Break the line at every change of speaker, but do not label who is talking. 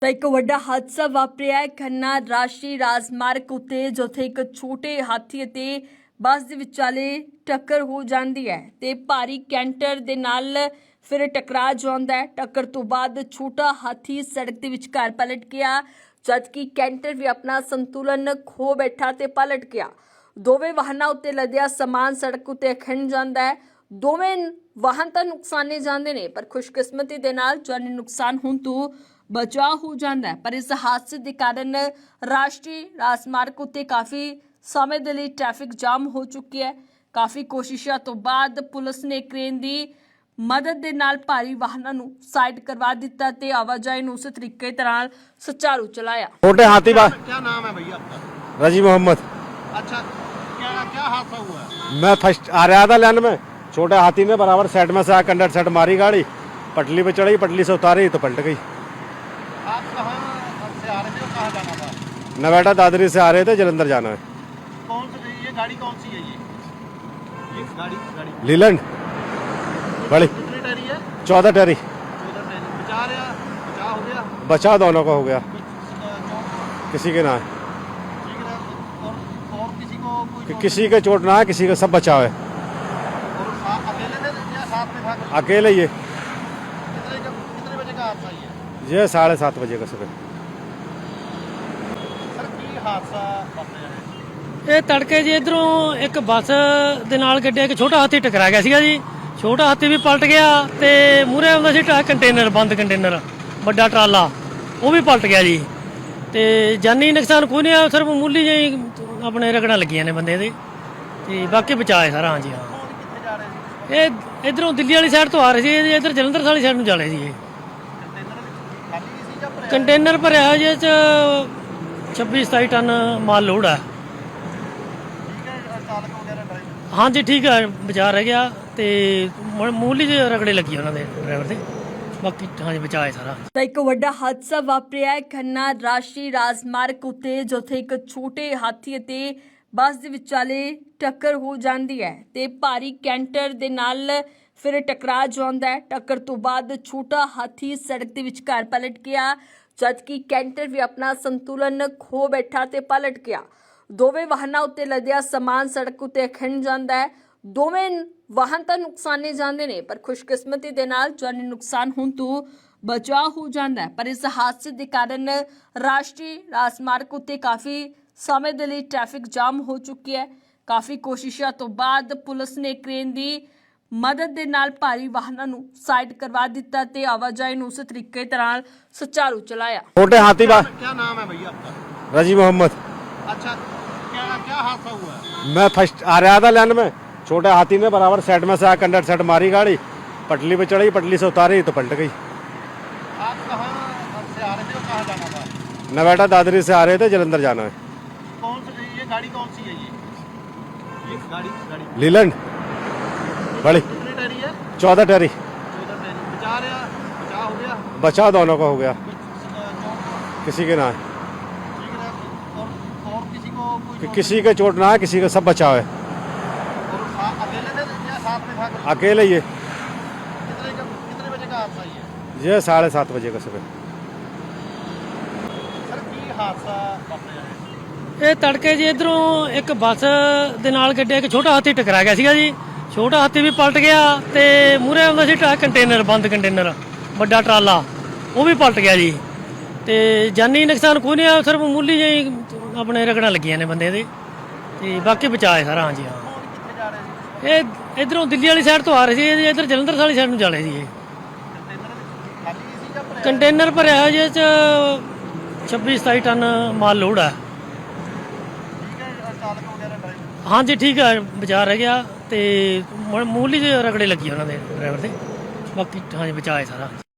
ਤਾਂ ਇੱਕ ਵੱਡਾ ਹਾਦਸਾ ਵਾਪਰਿਆ ਹੈ ਖੰਨਾ ਰਾਸ਼ਟਰੀ ਰਾਜਮਾਰਗ ਉੱਤੇ ਜਿੱਥੇ ਇੱਕ ਛੋਟੇ ਹਾਥੀ ਅਤੇ ਬੱਸ ਦੇ ਵਿਚਾਲੇ ਟੱਕਰ ਹੋ ਜਾਂਦੀ ਹੈ ਤੇ ਭਾਰੀ ਕੈਂਟਰ ਦੇ ਨਾਲ ਫਿਰ ਟਕਰਾ ਜਾਂਦਾ ਹੈ। ਟੱਕਰ ਤੋਂ ਬਾਅਦ ਛੋਟਾ ਹਾਥੀ ਸੜਕ ਦੇ ਵਿਚਕਾਰ ਪਲਟ ਗਿਆ ਜਦਕਿ ਕੈਂਟਰ ਵੀ ਆਪਣਾ ਸੰਤੁਲਨ ਖੋ ਬੈਠਾ ਤੇ ਪਲਟ ਗਿਆ। ਦੋਵੇਂ ਵਾਹਨਾਂ ਉੱਤੇ ਲੱਦਿਆ ਸਮਾਨ ਸੜਕ ਉੱਤੇ ਖਿੰਡ ਜਾਂਦਾ ਹੈ। ਦੋਵੇਂ ਵਾਹਨ ਤਾਂ ਨੁਕਸਾਨੇ ਜਾਂਦੇ ਨੇ ਪਰ ਖੁਸ਼ਕਿਸਮਤੀ ਦੇ ਨਾਲ ਜਾਨੀ ਨੁਕਸਾਨ ਹੋਣ ਤੋਂ ਬਚਾਅ ਹੋ ਜਾਂਦਾ ਹੈ। ਪਰ ਇਸ ਹਾਦਸੇ ਦੇ ਕਾਰਨ ਰਾਸ਼ਟਰੀ ਰਾਜਮਾਰਗ ਉੱਤੇ ਕਾਫੀ ਸਮੇਂ ਦੇ ਲਈ ਟ੍ਰੈਫਿਕ ਜਾਮ ਹੋ ਚੁੱਕੀ ਹੈ। ਕਾਫੀ ਕੋਸ਼ਿਸ਼ਾਂ ਤੋਂ ਬਾਅਦ ਪੁਲਿਸ ਨੇ ਕ੍ਰੇਨ ਦੀ ਮਦਦ ਦੇ ਨਾਲ ਭਾਰੀ ਵਾਹਨਾਂ ਨੂੰ ਸਾਈਡ ਕਰਵਾ ਦਿੱਤਾ ਤੇ ਆਵਾਜਾਈ ਨੂੰ ਉਸੇ ਤਰੀਕੇ ਤਰ੍ਹਾਂ ਸੁਚਾਰੂ ਚਲਾਇਆ।
छोटे हाथी बा
क्या नाम है भैया आपका?
रजी मोहम्मद।
अच्छा, क्या हादसा हुआ है?
मैं फर्स्ट आ रहा था लाइन में, छोटे हाथी ने बराबर साइड में से आकर कंडक्टर साइड मारी गाड़ी, पटली पे चढ़ी, पटली से उतारी तो पलट गई।
आप कहाँ से आ रहे थे और कहाँ जाना था?
नवेटा दादरी से आ रहे थे, जलंधर जाना है।
ये गाड़ी कौन सी है ये गाड़ी
लीलैंड बड़ी
कितनी टहरी है?
14 टहरी।
14 टहरी। बचा हो गया?
बचा दोनों का हो गया,
चोट
किसी के ना है,
ठीक है। और किसी को कोई
किसी के चोट ना है, किसी का सब बचाव है।
और अकेले थे या साथ में था कोई?
अकेले ये
कितने बजे का हादसा ये?
ये 7:30 बजे का सुबह।
सर की हादसा वापरिਆ है?
ਇਹ ਤੜਕੇ ਜੀ ਇਧਰੋਂ ਇੱਕ ਬੱਸ ਦੇ ਨਾਲ ਗੱਡੀ ਇੱਕ ਛੋਟਾ ਹਾਥੀ ਟਕਰਾ ਗਿਆ ਸੀਗਾ ਜੀ। ਛੋਟਾ ਹਾਥੀ ਵੀ ਪਲਟ ਗਿਆ ਤੇ ਮੂਹਰੇ ਆਉਂਦਾ ਸੀ ਕੰਟੇਨਰ, ਬੰਦ ਕੰਟੇਨਰ ਵੱਡਾ ਟਰਾਲਾ, ਉਹ ਵੀ ਪਲਟ ਗਿਆ ਜੀ। ਤੇ ਜਾਨੀ ਨੁਕਸਾਨ ਕੋਈ ਨਹੀਂ ਆ, ਸਿਰਫ ਮਾਮੂਲੀ ਜਿਹੀ ਆਪਣੇ ਰਗੜਾਂ ਲੱਗੀਆਂ ਨੇ ਬੰਦੇ ਦੇ ਤੇ ਬਾਕੀ ਬਚਾਏ ਸਾਰਾ। ਹਾਂਜੀ ਹਾਂ,
कौन कितने जा रहे थे?
ਇਹ ਇਧਰੋਂ ਦਿੱਲੀ ਵਾਲੀ ਸਾਈਡ ਤੋਂ ਆ ਰਹੇ ਸੀ, ਇਧਰ ਜਲੰਧਰ ਵਾਲੀ ਸਾਈਡ ਨੂੰ ਜਾ ਰਹੇ ਸੀ। ਇਹ
कंटेनर खाली सी या भरिਆ?
ਕੰਟੇਨਰ ਭਰਿਆ ਹੋਇਆ ਜੀ, ਇਹ 'ਚ 26-27 ਟਨ ਮਾਲ ਲੋਡ ਆ।
ठीक है। चालक वगैरह ड्राइवर
ਹਾਂਜੀ ਠੀਕ ਹੈ, ਬਚਾ ਰਹਿ ਗਿਆ ਤੇ ਮਾਮੂਲੀ ਜਿਹੇ ਰਗੜੇ ਲੱਗੀ ਉਹਨਾਂ ਦੇ ਡਰਾਈਵਰ ਦੇ, ਬਾਕੀ ਹਾਂਜੀ ਬਚਾਏ ਸਾਰਾ।
ਤਾਂ ਇੱਕ ਵੱਡਾ ਹਾਦਸਾ ਵਾਪਰਿਆ ਹੈ ਖੰਨਾ ਰਾਸ਼ਟਰੀ ਰਾਜਮਾਰਗ ਉੱਤੇ ਜਿੱਥੇ ਇੱਕ ਛੋਟੇ ਹਾਥੀ ਅਤੇ ਬੱਸ ਦੇ ਵਿਚਾਲੇ ਟੱਕਰ ਹੋ ਜਾਂਦੀ ਹੈ ਤੇ ਭਾਰੀ ਕੈਂਟਰ ਦੇ ਨਾਲ ਫਿਰ ਟਕਰਾ ਜਾਂਦਾ ਹੈ। ਟੱਕਰ ਤੋਂ ਬਾਅਦ ਛੋਟਾ ਹਾਥੀ ਸੜਕ ਦੇ ਵਿਚਕਾਰ ਪਲਟ ਗਿਆ ਜਦਕਿ ਕੈਂਟਰ ਵੀ ਆਪਣਾ ਸੰਤੁਲਨ ਖੋ ਬੈਠਾ ਤੇ ਪਲਟ ਗਿਆ। ਦੋਵੇਂ ਵਾਹਨਾਂ ਉੱਤੇ ਲੱਦਿਆ ਸਮਾਨ ਸੜਕ ਉੱਤੇ ਖਿੰਡ ਜਾਂਦਾ ਹੈ। ਦੋਵੇਂ ਵਾਹਨ ਤਾਂ ਨੁਕਸਾਨੇ ਜਾਂਦੇ ਨੇ ਪਰ ਖੁਸ਼ਕਿਸਮਤੀ ਦੇ ਨਾਲ ਜਾਨੀ ਨੁਕਸਾਨ ਹੋਣ ਤੋਂ ਬਚਾਅ ਹੋ ਜਾਂਦਾ ਹੈ। ਪਰ ਇਸ ਹਾਦਸੇ ਦੇ ਕਾਰਨ ਰਾਸ਼ਟਰੀ ਰਾਜਮਾਰਗ ਉੱਤੇ ਕਾਫੀ ਸਮੇਂ ਦੇ ਲਈ ਟ੍ਰੈਫਿਕ ਜਾਮ ਹੋ ਚੁੱਕੀ ਹੈ। ਕਾਫੀ ਕੋਸ਼ਿਸ਼ਾਂ ਤੋਂ ਬਾਅਦ ਪੁਲਿਸ ਨੇ ਕ੍ਰੇਨ ਦੀ ਮਦਦ ਦੇ ਨਾਲ ਭਾਰੀ ਵਾਹਨਾਂ ਨੂੰ ਸਾਈਡ ਕਰਵਾ ਦਿੱਤਾ ਤੇ ਆਵਾਜਾਈ ਨੂੰ ਉਸੇ ਤਰੀਕੇ ਤਰ੍ਹਾਂ ਸੁਚਾਰੂ ਚਲਾਇਆ।
छोटे हाथी बा
क्या नाम है भैया आपका?
रजी मोहम्मद।
अच्छा, क्या हादसा हुआ है?
मैं फर्स्ट आ रहा था लाइन में, छोटे हाथी ने बराबर साइड में से आकर कंडक्टर साइड मारी गाड़ी, पटली पे चढ़ी, पटली से उतारी तो पलट गई।
आप कहाँ से आ रहे थे और कहाँ जाना था?
नवेटा दादरी से आ रहे थे, जलंधर जाना है।
ये गाड़ी कौन सी है ये गाड़ी
लीलैंड बड़ी
कितनी टहरी है?
14 टहरी।
14 टहरी। बचा हो गया?
बचा दोनों का हो गया,
चोट
किसी के ना है,
ठीक है। और किसी को कोई
किसी के चोट ना है, किसी का सब बचाव है।
और अकेले थे या साथ में था कोई?
अकेले ये
कितने बजे का हादसा ये?
7:30 बजे का सुबह।
सर की हादसा वापरिਆ है?
ਇਹ ਤੜਕੇ ਜੀ ਇਧਰੋਂ ਇੱਕ ਬੱਸ ਦੇ ਨਾਲ ਗੱਡੀ ਇੱਕ ਛੋਟਾ ਹਾਥੀ ਟਕਰਾ ਗਿਆ ਸੀਗਾ ਜੀ। ਛੋਟਾ ਹਾਥੀ ਵੀ ਪਲਟ ਗਿਆ ਤੇ ਮੂਹਰੇ ਆਉਂਦਾ ਸੀ ਕੰਟੇਨਰ, ਬੰਦ ਕੰਟੇਨਰ ਵੱਡਾ ਟਰਾਲਾ, ਉਹ ਵੀ ਪਲਟ ਗਿਆ ਜੀ। ਤੇ ਜਾਨੀ ਨੁਕਸਾਨ ਕੋਈ ਨਹੀਂ ਆ, ਸਿਰਫ ਮਾਮੂਲੀ ਜਿਹੀ ਆਪਣੇ ਰਗੜਾਂ ਲੱਗੀਆਂ ਨੇ ਬੰਦੇ ਦੇ ਤੇ ਬਾਕੀ ਬਚਾਏ ਸਾਰਾ। ਹਾਂਜੀ ਹਾਂ,
कौन कितने जा रहे थे?
ਇਹ ਇਧਰੋਂ ਦਿੱਲੀ ਵਾਲੀ ਸਾਈਡ ਤੋਂ ਆ ਰਹੇ ਸੀ, ਇਧਰ ਜਲੰਧਰ ਵਾਲੀ ਸਾਈਡ ਨੂੰ ਜਾ ਰਹੇ ਸੀ। ਇਹ
कंटेनर खाली सी या भरिਆ?
ਕੰਟੇਨਰ ਭਰਿਆ ਹੋਇਆ ਜੀ, ਇਹ 'ਚ 26-27 ਟਨ ਮਾਲ ਲੋਡ ਆ।
ठीक है। चालक वगैरह ड्राइवर
ਹਾਂਜੀ ਠੀਕ ਹੈ, ਬਚਾ ਰਹਿ ਗਿਆ ਤੇ ਮਾਮੂਲੀ ਜਿਹੇ ਰਗੜੇ ਲੱਗੀ ਉਹਨਾਂ ਦੇ ਡਰਾਈਵਰ ਦੇ, ਬਾਕੀ ਹਾਂਜੀ ਬਚਾਏ ਸਾਰਾ।